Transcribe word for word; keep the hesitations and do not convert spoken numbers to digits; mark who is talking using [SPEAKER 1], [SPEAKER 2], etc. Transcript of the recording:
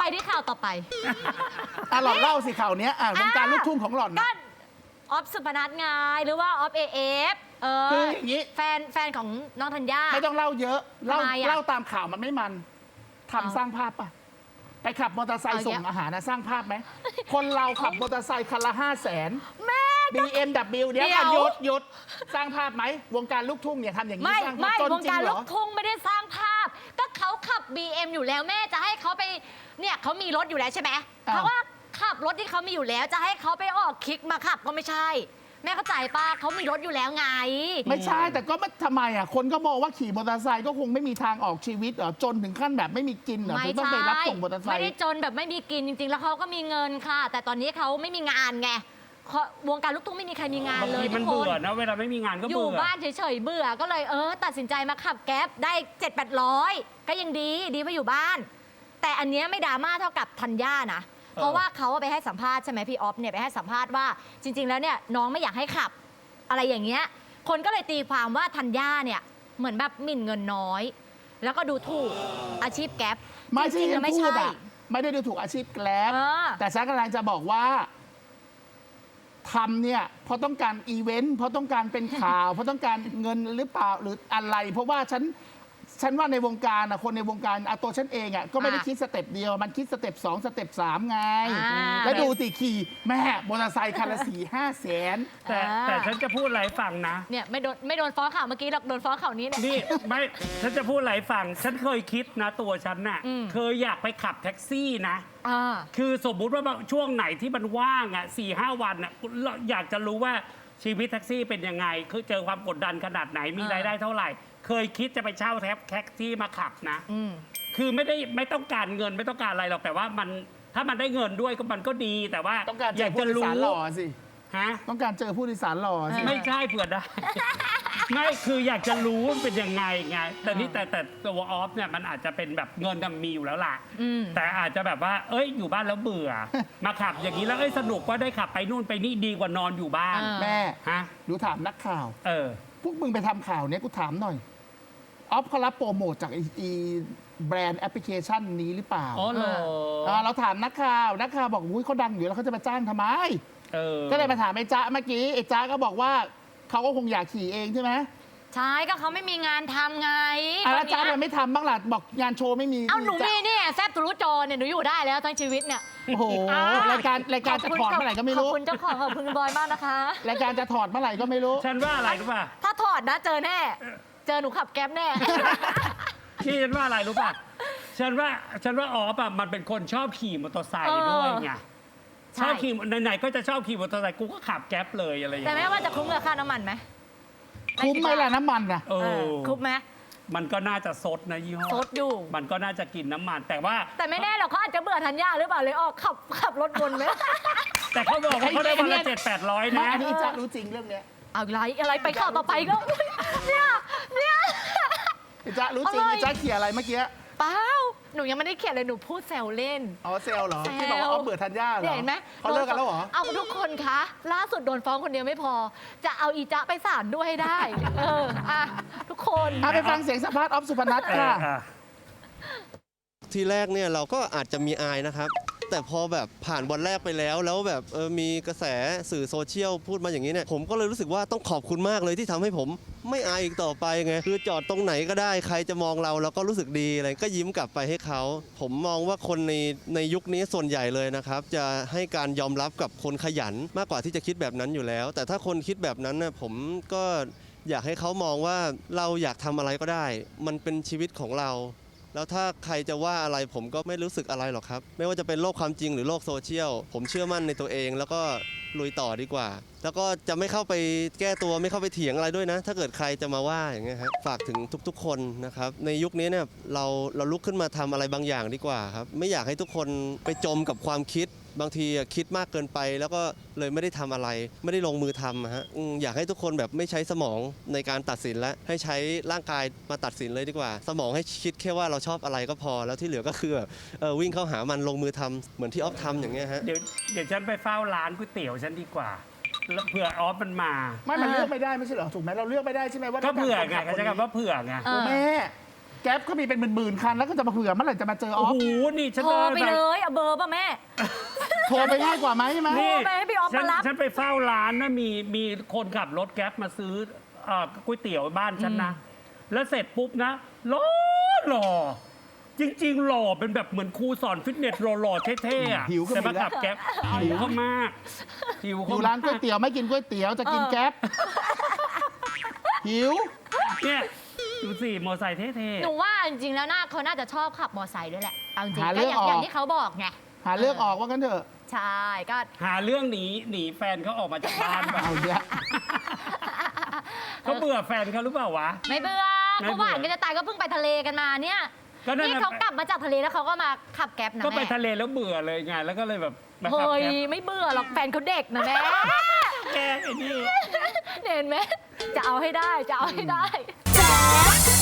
[SPEAKER 1] ที่ข่าวต่อไป
[SPEAKER 2] อ่ะหล่อนเล่าสิข่าวเนี้ยอ่ะวงการลูกทุ่งของหล่อน
[SPEAKER 1] ก็
[SPEAKER 2] นะ
[SPEAKER 1] ออฟสุพนัทไงหรือว่าออฟเอเอฟเออ
[SPEAKER 2] คืออย่างนี้
[SPEAKER 1] แฟนแฟนของน้องธัญญา
[SPEAKER 2] ไม่ต้องเล่าเยอะเล่า
[SPEAKER 1] ทำไมอะ
[SPEAKER 2] เล่าตามข่าวมันไม่มันทำ
[SPEAKER 1] เอา
[SPEAKER 2] สร้างภาพป่ะ ไปขับมอเตอร์ไซค์
[SPEAKER 1] เอา
[SPEAKER 2] ส่
[SPEAKER 1] เย
[SPEAKER 2] ง
[SPEAKER 1] อะ
[SPEAKER 2] อาหารนะสร้างภาพไหม คนเราขับมอเตอร์ไซค์คันละห้าแสน
[SPEAKER 1] แม่
[SPEAKER 2] บีเอ็มดับเบิลเดี๋ยว
[SPEAKER 1] เดี๋ยว
[SPEAKER 2] กันหยุดหยุดสร้างภาพไหมวงการลูกทุ่งเนี่ยทำอย่างนี้
[SPEAKER 1] ไม่
[SPEAKER 2] สร้างภา
[SPEAKER 1] ไม่
[SPEAKER 2] พจน
[SPEAKER 1] วง
[SPEAKER 2] จริ
[SPEAKER 1] การ
[SPEAKER 2] งเหร
[SPEAKER 1] ลู
[SPEAKER 2] อ
[SPEAKER 1] กทุ่งไม่ได้สร้างภาพ ก็เขาขับ บี เอ็ม อยู่แล้วแม่จะให้เขาไปเนี่ยเขามีรถอยู่แล้วใช่ไหม
[SPEAKER 2] อ้าว
[SPEAKER 1] เขาว่าขับรถที่เขามีอยู่แล้วจะให้เขาไปออกคลิกมาขับก็ไม่ใช่ แม่เข้าใจป้าเขามีรถอยู่แล้วไง
[SPEAKER 2] ไม่ใช่แต่ก็ไม่ทำไมอ่ะคนก็มองว่าขี่มอเตอร์ไซค์ก็คงไม่มีทางออกชีวิตเหรอจนถึงขั้นแบบไม่มีกินเหรอ
[SPEAKER 1] ไม่
[SPEAKER 2] ถึงต้อง
[SPEAKER 1] ใช่
[SPEAKER 2] ไปรับส่งมอเตอร์ไซ
[SPEAKER 1] ไม่
[SPEAKER 2] ค์
[SPEAKER 1] ได้จนแบบไม่มีกินจริง ๆ แล้วเขาก็มีเงินค่ะ แต่ตอนนี้เขาไม่มีงานไงเขาวงการลูกทุ่งไม่มีใครมีงาน
[SPEAKER 3] บาง
[SPEAKER 1] เลย
[SPEAKER 3] ทีมัน
[SPEAKER 1] ทุกค
[SPEAKER 3] เบื่อนะเวลาไม่มีงานก็
[SPEAKER 1] อยู่
[SPEAKER 3] เบื่อ
[SPEAKER 1] บ้านเฉยๆเบื่อก็เลยเออ ตัดสินใจมาขับแก๊ปได้เจ็ดแปดร้อยก็ยังดีดีกว่าอยู่บ้าน แต่อันเนี้ยไม่ดราม่าเท่ากับธัญญานะ เพราะว่าเขาไปให้สัมภาษณ์ใช่ไหมพี่ออฟเนี่ยไปให้สัมภาษณ์ว่าจริง ๆ แล้วเนี่ยน้องไม่อยากให้ขับ อะไรอย่างเงี้ยคนก็เลยตีความว่าธัญญาเนี่ยเหมือนแบบหมิ่นเงินน้อย แล้วก็ดูถูกอาชีพแก๊ป
[SPEAKER 2] ไม่
[SPEAKER 1] จ
[SPEAKER 2] ใช่
[SPEAKER 1] ริงๆ
[SPEAKER 2] ที่
[SPEAKER 1] แล้วไม่
[SPEAKER 2] พู
[SPEAKER 1] ใช่
[SPEAKER 2] ดอ่ะไม่ได้ดูถูกอาชีพแกล็บ
[SPEAKER 1] เออ
[SPEAKER 2] แต่ฉันกำลังจะบอกว่าทำเนี่ยเพราะต้องการอีเวนต์เพราะต้องการเป็นข่าว เพราะต้องการเงินหรือเปล่าหรืออะไร เพราะว่าฉันฉันว่าในวงการอะคนในวงการอะตัวฉันเองอะก็ไม่ได้
[SPEAKER 1] อ่ะ
[SPEAKER 2] คิดสเต็ปเดียว มันคิดสเต็ปสองสเต็ปสามไง
[SPEAKER 1] อ่า
[SPEAKER 2] แล้วดูติขี่แม่มอเตอร์ไซค์คันละสี่ห้าแสน
[SPEAKER 3] แต่
[SPEAKER 1] อ่า
[SPEAKER 3] แต่ฉันจะพูดอะไรให้ฟังนะ
[SPEAKER 1] เนี่ยไม่โดนไม่โดนฟ้องข่าวเมื่อกี้หรอกโดนฟ้องข่าวนี้เนี่ย
[SPEAKER 3] นี่ไม่ฉันจะพูดอะไรให้ฟัง ฉันเคยคิดนะตัวฉันน่ะ
[SPEAKER 1] อืม
[SPEAKER 3] เคยอยากไปขับแท็กซี่นะ
[SPEAKER 1] อ่า
[SPEAKER 3] คือสมมุติว่าช่วงไหนที่มันว่างอ่ะสี่ห้าวันอ่ะเราอยากจะรู้ว่าชีวิตแท็กซี่เป็นยังไง คือเจอความกดดันขนาดไหนมี
[SPEAKER 1] อ่าร
[SPEAKER 3] รายได้เท่าไหร่ เคยคิดจะไปเช่าแท็บแท็กซี่มาขับนะ
[SPEAKER 1] อืม
[SPEAKER 3] คือไม่ได้ไม่ต้องการเงินไม่ต้องการอะไรหรอกแต่ว่ามันถ้ามันได้เงินด้วยก็มันก็ดีแต่ว่า
[SPEAKER 2] ต้องการเจ
[SPEAKER 3] ยา
[SPEAKER 2] อก ผู้
[SPEAKER 3] จะ
[SPEAKER 2] โดย
[SPEAKER 3] รู้
[SPEAKER 2] สารหล่อสิ
[SPEAKER 3] ฮะ
[SPEAKER 2] ต้องการเจอผู้โดยสารหล่อสิ
[SPEAKER 3] ไม่ใช่เผื่อได้ ไม่คืออยากจะรู้ว่ามันเป็นยังไงไงแต่นี่แต่แต่ตัวออฟเนี่ยมันอาจจะเป็นแบบเงินน่ะมีอยู่แล้วล่ะ
[SPEAKER 1] อืม
[SPEAKER 3] แต่อาจจะแบบว่า เอ้ยอยู่บ้านแล้วเบื่อ มาขับอย่างนี้แล้วเอ้ยสนุกว่าได้ขับไปนู่นไปนี่ดีกว่านอนอยู่บ้าน
[SPEAKER 1] อ่า
[SPEAKER 2] แม่
[SPEAKER 3] ฮะ
[SPEAKER 2] ดูถามนักข่าว
[SPEAKER 3] เออ
[SPEAKER 2] พวกมึงไปทำข่าวเนี้ยกูถามหน่อยออฟเขารับโปรโมทจากไออีแบรนด์แอปพลิเคชันนี้หรือเปล่า
[SPEAKER 3] อ๋อเหรอ
[SPEAKER 2] อ่าเราถามนักข่าว นักข่าวบอกอุ้ยเขาดังอยู่แล้วเขาจะมาจ้างทำไม
[SPEAKER 3] เออ
[SPEAKER 2] ก็เลยมาถามไอ้จ๊ะเมื่อกี้ไอ้จ๊ะก็บอกว่าเขาก็คงอยากขี่เองใช่ไหม
[SPEAKER 1] ใช่ก็เขาไม่มีงานทำไง
[SPEAKER 2] อ่ะแล้ว
[SPEAKER 1] ต
[SPEAKER 2] จ๊ะ
[SPEAKER 1] อน
[SPEAKER 2] ทำ
[SPEAKER 1] เนี้
[SPEAKER 2] ไม
[SPEAKER 1] ย
[SPEAKER 2] ไม่ทำบ้างล่ะบอกงานโชว์ไม่มี
[SPEAKER 1] เอาหนู
[SPEAKER 2] จ๊ะ
[SPEAKER 1] มีเนี่ยแซบทะลุจอเนี่ยหนูอยู่ได้แล้วทั้งชีวิตเนี่ย
[SPEAKER 2] โอ้โห
[SPEAKER 1] อ่ะ
[SPEAKER 2] รายการรายการจะถอดเมื่อไหร่ก็ไม่รู้
[SPEAKER 1] ขอบคุณเจ้าของขอบคุณคุณบอยมากนะคะ
[SPEAKER 2] รายการจะถอดเมื่อไหร่ก็ไม่รู้
[SPEAKER 3] ฉันว่าอะไรรู้ป่ะ
[SPEAKER 1] ถ้าถอดนะเจอแน่ เจอหนูขับแก๊ปแน่
[SPEAKER 3] ที่ฉันว่าอะไรรู้ป่ะ ฉันว่าฉันว่าออฟอ่ะมันเป็นคนชอบขี่มอเตอร์ไซค์ด้วยไง
[SPEAKER 1] ใช่
[SPEAKER 3] ชอบขี่ไหนๆก็จะชอบขี่มอเตอร์ไซค์กูก็ขับแก๊ปเลยอะไรอย่าง
[SPEAKER 1] แต่
[SPEAKER 3] เงี้ย
[SPEAKER 1] แม่ว่าจะคุ้มกับค่าน้ำมันไหม
[SPEAKER 2] คุ้มไหมล่ะน้ำมันนะ
[SPEAKER 3] เอ
[SPEAKER 1] เอ
[SPEAKER 3] อ
[SPEAKER 1] อคุ้มไหม
[SPEAKER 3] มันก็น่าจะซดนะยี่ห้อ
[SPEAKER 1] ซดอยู่
[SPEAKER 3] มันก็น่าจะกินน้ำมัน แต่ว่า
[SPEAKER 1] แต่ไม่แน่หรอกเขาอาจจะเบื่อธัญญาหรือเปล่าเลยออกขับขับรถวนไหม
[SPEAKER 3] แต่เขาบอกว่าเขาได้วันละเจ็ดแปดร้อย
[SPEAKER 2] ไม่
[SPEAKER 3] นะ
[SPEAKER 2] อันนี้จ๊ะรู้จริงเรื่องเนี้ย
[SPEAKER 1] เอาอะไรอะไรไปข่าวต่อไปก็เนี่ยเนี่ย
[SPEAKER 2] ไอ้จ๊ะรู้จริง
[SPEAKER 1] อะไร
[SPEAKER 2] ไอ้จ๊ะเขี่ยอะไรเมื่อกี้
[SPEAKER 1] เปล่าหนูยังไม่ได้เขียนเลยหนูพูดแซวเล่น
[SPEAKER 2] อ๋อเซลลเหรอ
[SPEAKER 1] แซว
[SPEAKER 2] ที่บอกว่าเอาเบื่อธัญญาเหรอ
[SPEAKER 1] เนี่ยเห็นไหม
[SPEAKER 2] เขาเลิกกันแล้วเหรอ
[SPEAKER 1] เอาทุกคนคะล่าสุดโดนฟ้องคนเดียวไม่พอ จะเอาอีจ๊ะไปศาลด้วยให้ได้ เอออ่ะทุกคน
[SPEAKER 2] เอาไปฟังเสียงสัมภาษณ์ออฟสุพนัท
[SPEAKER 3] เออ
[SPEAKER 2] ค่ะ
[SPEAKER 3] อ่ะ
[SPEAKER 4] ทีแรกเนี่ยเราก็อาจจะมีอายนะครับ แต่พอแบบผ่านวันแรกไปแล้ว แล้วแบบเออมีกระแสสื่อโซเชียลพูดมาอย่างนี้เนี่ยผมก็เลยรู้สึกว่าต้องขอบคุณมากเลยที่ทำให้ผมไม่อายอีกต่อไปไงคือจอดตรงไหนก็ได้ใครจะมองเราเราก็รู้สึกดีอะไรก็ยิ้มกลับไปให้เขาผมมองว่าคนในในยุคนี้ส่วนใหญ่เลยนะครับ จะให้การยอมรับกับคนขยันมากกว่าที่จะคิดแบบนั้นอยู่แล้ว แต่ถ้าคนคิดแบบนั้นน่ะผมก็อยากให้เขามองว่าเราอยากทำอะไรก็ได้ มันเป็นชีวิตของเรา แล้วถ้าใครจะว่าอะไรผมก็ไม่รู้สึกอะไรหรอกครับ ไม่ว่าจะเป็นโลกความจริงหรือโลกโซเชียลผมเชื่อมั่นในตัวเอง แล้วก็ลุยต่อดีกว่า แล้วก็จะไม่เข้าไปแก้ตัวไม่เข้าไปเถียงอะไรด้วยนะ ถ้าเกิดใครจะมาว่าอย่างเงี้ยครับฝากถึงทุกๆ คนนะครับในยุคนี้เนี่ยเราเราลุกขึ้นมาทำอะไรบางอย่างดีกว่าครับไม่อยากให้ทุกคนไปจมกับความคิด บางทีคิดมากเกินไป แล้วก็เลยไม่ได้ทำอะไร ไม่ได้ลงมือทำฮะอืมอยากให้ทุกคนแบบไม่ใช้สมองในการตัดสินและให้ใช้ร่างกายมาตัดสินเลยดีกว่า สมองให้คิดแค่ว่าเราชอบอะไรก็พอ แล้วที่เหลือก็คือแบบเออวิ่งเข้าหามันลงมือทำเหมือนที่ออฟทำอย่างเงี้ยฮะ
[SPEAKER 3] เดี๋ยวเดี๋ยวฉันไปเฝ้าร้านก๋วยเตี๋ยวฉันดีกว่าแล้วเผื่อออฟมันมา
[SPEAKER 2] ไม่มันเลือกไม่ได้ไม่ใช่เหรอถูกไหมเราเลือกไม่ได้ใช่ไหมว่า
[SPEAKER 3] ก็เผื่อไง
[SPEAKER 2] ต้
[SPEAKER 3] เขา
[SPEAKER 2] อง
[SPEAKER 3] ใช้
[SPEAKER 2] การคน
[SPEAKER 3] คำว่าเผื่อไง
[SPEAKER 1] เออ
[SPEAKER 2] แม่แก๊ปก็มีเป็นหมื่นๆคันแล้วก็จะมาเผื่อเมื่อไหร่จะมาเจออ
[SPEAKER 3] โอ้
[SPEAKER 2] อฟ
[SPEAKER 3] โหนี่ฉัน
[SPEAKER 1] โทร
[SPEAKER 3] เดิน
[SPEAKER 1] ไป
[SPEAKER 3] แบบ
[SPEAKER 1] เลยเอาเบอร์ป่ะแม่
[SPEAKER 2] โทรไปง่ายกว่าไหมใช่ไหม
[SPEAKER 3] นี่
[SPEAKER 1] โทรไปให้พี่ออฟ
[SPEAKER 3] ฉัน
[SPEAKER 1] มารับ
[SPEAKER 3] ฉันไปเฝ้าร้านนะมีมีคนขับรถแก๊ปมาซื้อเอ่อก๋วยเตี๋ยวบ้านฉันนะ แล้วเสร็จปุ๊บนะหล่อหล่อจริง ๆ หล่อเป็นแบบเหมือนครูสอนฟิตเนสหล่อๆเท่ๆอะ
[SPEAKER 2] หิวก็
[SPEAKER 3] แต่
[SPEAKER 2] มี
[SPEAKER 3] มา
[SPEAKER 2] แล้ว
[SPEAKER 3] ขับแก๊ปหิวเขามากหิว
[SPEAKER 2] อ
[SPEAKER 3] เขา
[SPEAKER 2] ยู่ร้านก๋วยเตี๋ยวไม่กินก๋วยเตี๋ยวจะกิน
[SPEAKER 1] เออ
[SPEAKER 2] แก๊ปหิว
[SPEAKER 3] เนี่ยดูสิมอไซค์เท่
[SPEAKER 1] หนูว่าจริงๆแล้วน่าเขาน่าจะชอบขับมอไซค์ด้วยแหละเอาจริง
[SPEAKER 2] หา
[SPEAKER 1] ๆ
[SPEAKER 2] เรื่
[SPEAKER 1] ก็
[SPEAKER 2] อง
[SPEAKER 1] อย่าง
[SPEAKER 2] ออก
[SPEAKER 1] อย่างที่เขาบอกไง
[SPEAKER 2] หาเลือกออกว่ากันเถอะ
[SPEAKER 1] ใช่ก็
[SPEAKER 3] ๆหาเรื่องหนีหนีแฟนเขาออกมาจากบ้านแบบ
[SPEAKER 2] เอาเยอะ
[SPEAKER 3] เขาเบื่อแฟนเขาหรือเปล่าวะ
[SPEAKER 1] ไม่เบื่อ
[SPEAKER 3] ไม่
[SPEAKER 1] เขา
[SPEAKER 3] เบื่อ
[SPEAKER 1] หวานกันจะตายก็เพิ่งไปทะเลกันมาเนี่ย
[SPEAKER 3] ก็นั่น
[SPEAKER 1] นี่
[SPEAKER 3] น่ะ
[SPEAKER 1] เขากลับมาจากทะเลแล้วเขาก็มาขับแก๊ปนะ
[SPEAKER 3] ก็ไป
[SPEAKER 1] แม่
[SPEAKER 3] ทะเลแล้วเบื่อเลยไงแล้วก็เลยแบบมาขับ
[SPEAKER 1] เฮ้ย
[SPEAKER 3] แก๊ป
[SPEAKER 1] ไม่เบื่อหรอกแฟนเขาเด็กนะแม่
[SPEAKER 3] แกไอ้นี่
[SPEAKER 1] เห็นไหมจะเอาให้ได้จะเอาให้ได้แจ๊